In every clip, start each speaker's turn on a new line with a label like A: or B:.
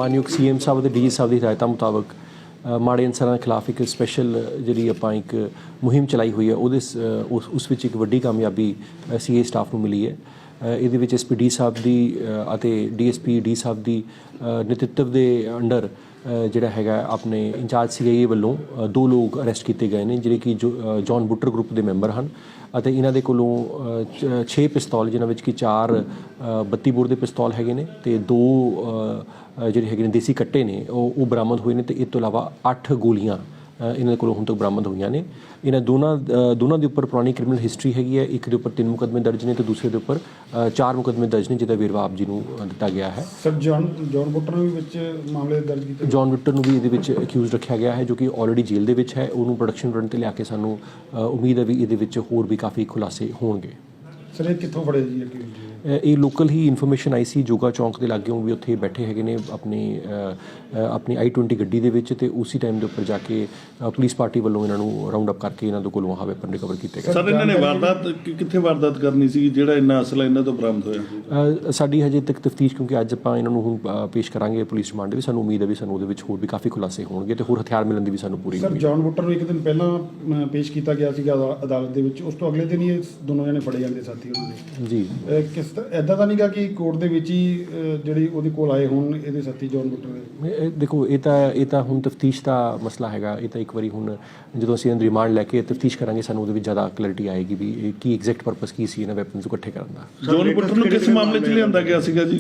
A: ਮਾਨਯੋਗ CM ਸਾਹਿਬ ਅਤੇ DG ਸਾਹਿਬ ਦੀ ਹਦਾਇਤਾਂ ਮੁਤਾਬਕ ਮਾੜੇ ਅਨਸਰਾਂ ਦੇ ਖਿਲਾਫ ਇੱਕ ਸਪੈਸ਼ਲ ਜਿਹੜੀ ਆਪਾਂ ਇੱਕ ਮੁਹਿੰਮ ਚਲਾਈ ਹੋਈ ਹੈ, ਉਸ ਵਿੱਚ ਇੱਕ ਵੱਡੀ ਕਾਮਯਾਬੀ CA ਸਟਾਫ ਨੂੰ ਮਿਲੀ ਹੈ। ਇਹਦੇ ਵਿੱਚ SP D ਸਾਹਿਬ ਦੀ ਅਤੇ DSP D ਸਾਹਿਬ ਦੀ ਨੇਤਰਤਵ ਦੇ ਅੰਡਰ ਜਿਹੜਾ ਹੈਗਾ ਆਪਣੇ ਇੰਚਾਰਜ CIA ਵੱਲੋਂ 2 ਲੋਕ ਅਰੈਸਟ ਕੀਤੇ ਗਏ ਨੇ, ਜਿਹੜੇ ਕਿ ਜੌਨ ਬੁੱਟਰ ਗਰੁੱਪ ਦੇ ਮੈਂਬਰ ਹਨ ਅਤੇ ਇਹਨਾਂ ਦੇ ਕੋਲੋਂ 6 ਪਿਸਤੌਲ, ਜਿਨ੍ਹਾਂ ਵਿੱਚ ਕਿ 4 32 ਬੋਰ ਦੇ ਪਿਸਤੌਲ ਹੈਗੇ ਨੇ ਅਤੇ 2 ਜਿਹੜੇ ਹੈਗੇ ਨੇ ਦੇਸੀ ਕੱਟੇ ਨੇ ਉਹ ਬਰਾਮਦ ਹੋਏ ਨੇ ਅਤੇ ਇਸ ਤੋਂ ਇਲਾਵਾ 8 ਗੋਲੀਆਂ ਇਹਨਾਂ ਦੇ ਕੋਲੋਂ ਹੁਣ ਤੱਕ ਬਰਾਮਦ ਹੋਈਆਂ ਨੇ। ਇਹਨਾਂ ਦੋਨਾਂ ਦੇ ਉੱਪਰ ਪੁਰਾਣੀ ਕ੍ਰਿਮੀਨਲ ਹਿਸਟਰੀ ਹੈਗੀ ਹੈ। ਇੱਕ ਦੇ ਉੱਪਰ 3 ਮੁਕੱਦਮੇ ਦਰਜ ਨੇ ਅਤੇ ਦੂਸਰੇ ਦੇ ਉੱਪਰ 4 ਮੁਕੱਦਮੇ ਦਰਜ ਨੇ, ਜਿਹਦਾ ਵੇਰਵਾ ਆਪ ਜੀ ਨੂੰ ਦਿੱਤਾ ਗਿਆ ਹੈ।
B: ਸਰ ਜੌਨ ਬੁੱਟਰ ਨੂੰ ਵੀ ਵਿੱਚ ਮਾਮਲੇ ਦਰਜ ਕੀਤੇ?
A: ਜੌਨ ਬੁੱਟਰ ਨੂੰ ਵੀ ਇਹਦੇ ਵਿੱਚ ਅਕਿਊਜ਼ ਰੱਖਿਆ ਗਿਆ ਹੈ, ਜੋ ਕਿ ਆਲਰੇਡੀ ਜੇਲ੍ਹ ਦੇ ਵਿੱਚ ਹੈ। ਉਹਨੂੰ ਪ੍ਰੋਡਕਸ਼ਨ ਰਨ 'ਤੇ ਲਿਆ ਕੇ ਸਾਨੂੰ ਉਮੀਦ ਹੈ ਵੀ ਇਹਦੇ ਵਿੱਚ ਹੋਰ ਵੀ ਕਾਫੀ ਖੁਲਾਸੇ ਹੋਣਗੇ।
B: ਸਰ ਇਹ ਕਿੱਥੋਂ ਫੜੇ ਜੀ ਅਕਿਊਜ਼?
A: ਇਹ ਲੋਕਲ ਹੀ ਇਨਫੋਰਮੇਸ਼ਨ ਆਈ ਸੀ, ਜੋਗਾ ਚੌਂਕ ਦੇ ਲਾਗਿਓਂ ਵੀ ਉੱਥੇ ਬੈਠੇ ਹੈਗੇ ਨੇ ਆਪਣੀ I-20 ਗੱਡੀ ਦੇ ਵਿੱਚ, ਅਤੇ ਉਸੇ ਟਾਈਮ ਦੇ ਉੱਪਰ ਜਾ ਕੇ ਪੁਲਿਸ ਪਾਰਟੀ ਵੱਲੋਂ ਇਹਨਾਂ ਨੂੰ ਰਾਉਂਡ ਅਪ ਕਰਕੇ ਇਹਨਾਂ ਦੇ ਕੋਲੋਂ ਆਹ ਵੈਪਨ ਰਿਕਵਰ ਕੀਤੇ ਗਏ।
C: ਸਰ ਇਹਨਾਂ ਨੇ ਕਿੱਥੇ ਵਾਰਦਾਤ ਕਰਨੀ ਸੀ, ਜਿਹੜਾ ਇੰਨਾ ਅਸਲਾ ਇਹਨਾਂ ਤੋਂ ਬਰਾਮਦ ਹੋਇਆ?
A: ਸਾਡੀ ਹਜੇ ਤੱਕ ਤਫਤੀਸ਼, ਕਿਉਂਕਿ ਅੱਜ ਆਪਾਂ ਇਹਨਾਂ ਨੂੰ ਹੁਣ ਪੇਸ਼ ਕਰਾਂਗੇ ਪੁਲਿਸ ਰਿਮਾਂਡ ਵੀ, ਸਾਨੂੰ ਉਮੀਦ ਹੈ ਵੀ ਸਾਨੂੰ ਉਹਦੇ ਵਿੱਚ ਹੋਰ ਵੀ ਕਾਫੀ ਖੁਲਾਸੇ ਹੋਣਗੇ ਅਤੇ ਹੋਰ ਹਥਿਆਰ ਮਿਲਣ ਦੀ ਵੀ ਸਾਨੂੰ ਪੂਰੀ।
B: ਸਰ ਜੌਨ ਬੁੱਟਰ ਨੂੰ ਇੱਕ ਦਿਨ ਪਹਿਲਾਂ ਪੇਸ਼ ਕੀਤਾ ਗਿਆ ਸੀਗਾ ਅਦਾਲਤ ਦੇ ਵਿੱਚ, ਉਸ ਤੋਂ ਅਗਲੇ ਦਿਨ ਹੀ ਇਹ ਦੋਨੋਂ ਜਣੇ ਫੜੇ ਜਾਂਦੇ ਸਾਥੀ ਉਹਨਾਂ ਦੇ ਜੀ। ਕਿਸ ਇੱਦਾਂ ਤਾਂ ਨਹੀਂ ਗਾ ਕਿ ਕੋਰਟ ਦੇ ਵਿੱਚ ਹੀ ਜਿਹੜੀ ਉਹਦੇ ਕੋਲ ਆਏ ਹੋਣ ਇਹਦੇ ਸਾਥੀ ਜੌਨ ਬੁੱਟਰ ਦੇ?
A: ਦੇਖੋ ਇਹ ਤਾਂ ਹੁਣ ਤਫਤੀਸ਼ ਦਾ ਮਸਲਾ ਹੈਗਾ। ਇਹ ਤਾਂ ਇੱਕ ਵਾਰੀ ਹੁਣ ਜਦੋਂ ਅਸੀਂ ਇਹਨਾਂ ਰਿਮਾਂਡ ਲੈ ਕੇ ਤਫਤੀਸ਼ ਕਰਾਂਗੇ, ਸਾਨੂੰ ਉਹਦੇ ਵਿੱਚ ਜ਼ਿਆਦਾ ਕਲੈਰਿਟੀ ਆਏਗੀ ਵੀ ਇਹ ਕੀ ਐਗਜ਼ੈਕਟ ਪਰਪਸ ਕੀ ਸੀ ਇਹਨਾਂ ਵੈਪਨਸ ਨੂੰ ਇਕੱਠੇ ਕਰਨ ਦਾ।
C: ਜੌਨ ਬੁੱਟਰ ਨੂੰ ਕਿਸ ਮਾਮਲੇ 'ਚ ਲਿਆਂਦਾ ਗਿਆ ਸੀਗਾ ਜੀ?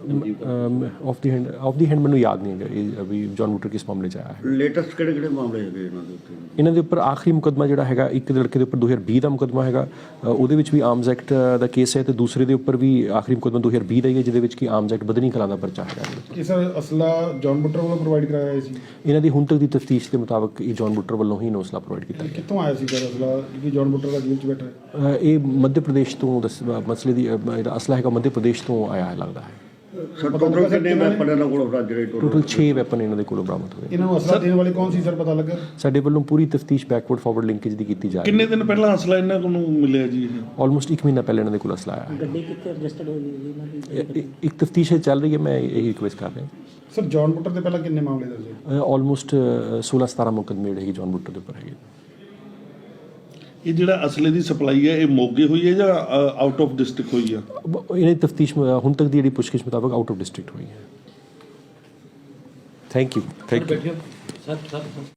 A: ਆਫ ਦੀ ਹੈਂਡ ਮੈਨੂੰ ਯਾਦ ਨਹੀਂ ਹੈਗਾ ਵੀ ਜੌਨ ਬੁੱਟਰ ਕਿਸ ਮਾਮਲੇ 'ਚ ਆਇਆ ਹੈ।
D: ਲੇਟੈਸਟ ਕਿਹੜੇ ਮਾਮਲੇ ਹੈਗੇ ਇਹਨਾਂ ਦੇ ਉੱਤੇ?
A: ਇਹਨਾਂ ਦੇ ਉੱਪਰ ਆਖਰੀ ਮੁਕੱਦਮਾ ਜਿਹੜਾ ਹੈਗਾ, ਇੱਕ ਲੜਕੇ ਦੇ ਉੱਪਰ 2020 ਦਾ ਮੁਕੱਦਮਾ ਹੈਗਾ, ਉਹਦੇ ਵਿੱਚ ਵੀ ਆਰਮਸ ਐਕਟ ਦਾ ਕੇਸ ਹੈ, ਅਤੇ ਦੂਸਰੇ ਦੇ ਉੱਪਰ ਵੀ ਆਖਰੀ ਮੁਕੱਦਮਾ 2020 ਦਾ ਹੀ ਹੈ, ਜਿਹਦੇ ਵਿੱਚ ਕਿ ਆਰਮਸ ਐਕਟ ਬਦਨੀ ਕਲਾਂ ਦਾ ਪਰਚਾ ਹੈਗਾ।
B: ਕਿ ਸਰ ਅਸਲਾ ਜੌਨ ਬੁੱਟਰ ਵੱਲੋਂ ਪ੍ਰੋਵਾਈਡ ਕਰਾਇਆ ਗਿਆ ਸੀ?
A: ਇਹਨਾਂ ਦੀ ਹੁਣ ਤੱਕ ਦੀ ਤਫਤੀਸ਼ ਦੇ ਮੁਤਾਬਕ ਇਹ ਜੌਨ ਬੁੱਟਰ ਵੱਲੋਂ ਹੀ ਅਸਲਾ ਪ੍ਰੋਵਾਈਡ ਕੀਤਾ ਗਿਆ।
B: ਕਿੱਥੋਂ ਆਇਆ ਸੀ ਸਰ ਅਸਲਾ, ਕਿ ਜੌਨ ਬੁੱਟਰ ਦਾ ਜੇਲ੍ਹ 'ਚ ਬੈਠਾ ਹੈ?
A: ਇਹ ਮੱਧ ਪ੍ਰਦੇਸ਼ ਤੋਂ ਮਸਲੇ ਦੀ ਇਹਦਾ ਅਸਲਾ ਹੈਗਾ, ਮੱਧ ਪ੍ਰਦੇਸ਼ ਤੋਂ ਆਇਆ ਹੈ ਲੱਗਦਾ ਹੈ।
D: ਸਰ ਟੋਟਲ ਕਿੰਨੇ ਵੈਪਨ ਇਹਨਾਂ ਕੋਲ ਰਾਜਰੇ?
A: ਟੋਟਲ 6 ਵੈਪਨ ਇਹਨਾਂ ਦੇ ਕੋਲੋਂ ਬਰਾਮਦ ਹੋਏ।
B: ਇਹਨਾਂ ਨੂੰ ਅਸਲਾ ਦੇਣ ਵਾਲੇ ਕੌਣ ਸੀ ਸਰ, ਪਤਾ ਲੱਗਾ?
A: ਸਾਡੇ ਵੱਲੋਂ ਪੂਰੀ ਤਫਤੀਸ਼ ਬੈਕਵਰਡ ਫਾਰਵਰਡ ਲਿੰਕੇਜ ਦੀ ਕੀਤੀ ਜਾ ਰਹੀ ਹੈ।
C: ਕਿੰਨੇ ਦਿਨ ਪਹਿਲਾਂ ਅਸਲਾ ਇਹਨਾਂ ਨੂੰ ਮਿਲਿਆ ਜੀ?
A: ਆਲਮੋਸਟ 1 ਮਹੀਨਾ ਪਹਿਲਾਂ ਇਹਨਾਂ ਦੇ ਕੋਲ ਅਸਲਾ ਆਇਆ ਹੈ।
E: ਗੱਡੀ ਕਿੱਥੇ ਰਜਿਸਟਰਡ ਹੋਈ ਇਹਨਾਂ ਦੀ?
A: ਇੱਕ ਤਫਤੀਸ਼ ਚੱਲ ਰਹੀ ਹੈ, ਮੈਂ ਇਹੀ ਰਿਕੁਐਸਟ ਕਰ ਰਿਹਾ।
B: ਸਰ ਜੌਨ ਬੁੱਟਰ ਦੇ ਪਹਿਲਾਂ ਕਿੰਨੇ ਮਾਮਲੇ ਦਰਜ ਹੈ?
A: ਆਲਮੋਸਟ 16-17 ਮੁਕੱਦਮੇ ਜਿਹੜੇ ਜੌਨ ਬੁੱਟਰ ਦੇ ਉੱਪਰ ਹੈਗੇ।
C: ਇਹ ਜਿਹੜਾ ਅਸਲੇ ਦੀ ਸਪਲਾਈ ਹੈ, ਇਹ ਮੋਗੇ ਹੋਈ ਹੈ ਜਾਂ ਆਊਟ ਆਫ ਡਿਸਟ੍ਰਿਕਟ ਹੋਈ ਹੈ?
A: ਇਹਨਾਂ ਦੀ ਤਫਤੀਸ਼ ਹੁਣ ਤੱਕ ਦੀ ਜਿਹੜੀ ਪੁੱਛਗਿੱਛ ਮੁਤਾਬਕ ਆਊਟ ਆਫ ਡਿਸਟ੍ਰਿਕਟ ਹੋਈ ਹੈ। Thank you.